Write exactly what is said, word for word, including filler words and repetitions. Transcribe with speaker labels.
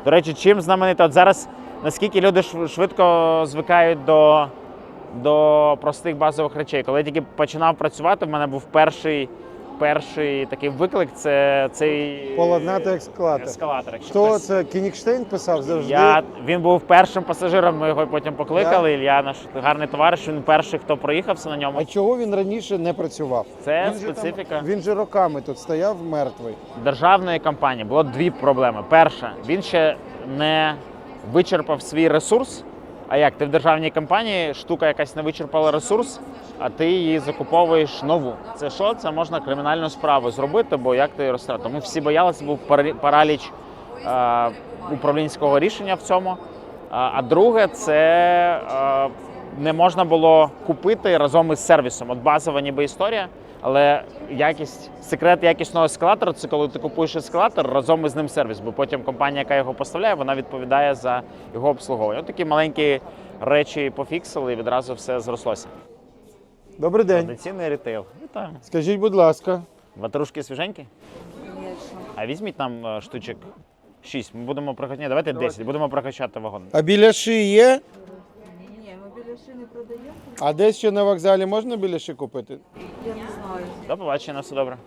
Speaker 1: До речі, чим знаменита? От зараз наскільки люди швидко звикають до, до простих базових речей. Коли я тільки починав працювати, в мене був перший, перший такий виклик – це цей
Speaker 2: Поладнати ескалатор.
Speaker 1: ескалатор. Якщо
Speaker 2: Хто
Speaker 1: хтось-
Speaker 2: це? Кінігштейн писав завжди?
Speaker 1: Я, він був першим пасажиром, ми його потім покликали. Ілля, наш гарний товариш, він перший, хто проїхався на ньому.
Speaker 2: А чого він раніше не працював?
Speaker 1: Це
Speaker 2: Він же там-
Speaker 1: специфіка.
Speaker 2: Він же роками тут стояв мертвий.
Speaker 1: Державної компанії було дві проблеми. Перша, він ще не вичерпав свій ресурс. А як? Ти в державній компанії, штука якась не вичерпала ресурс, а ти її закуповуєш нову. Це що? Це можна кримінальну справу зробити, бо як ти її розтратив? Тому всі боялися, був парі- параліч е, управлінського рішення в цьому. А, а друге, це е, не можна було купити разом із сервісом. От базова ніби історія, але якість, секрет якісного ескалатора – це коли ти купуєш ескалатор, разом із ним сервіс, бо потім компанія, яка його поставляє, вона відповідає за його обслуговування. От такі маленькі речі пофіксили і відразу все зрослося.
Speaker 2: Добрий день.
Speaker 1: Традиційний ритейл. Вітаю.
Speaker 2: Скажіть, будь ласка,
Speaker 1: Ватрушки свіженькі? А візьміть нам е, штучок шість. Ми будемо прокачати. Ні, давайте десять. Будемо прокачати вагон.
Speaker 2: а біляши є?
Speaker 3: Ні, ми біляши не продаємо,
Speaker 2: А десь ще на вокзалі можна біляши купити?
Speaker 3: я не знаю.
Speaker 1: До побачення, на все добре.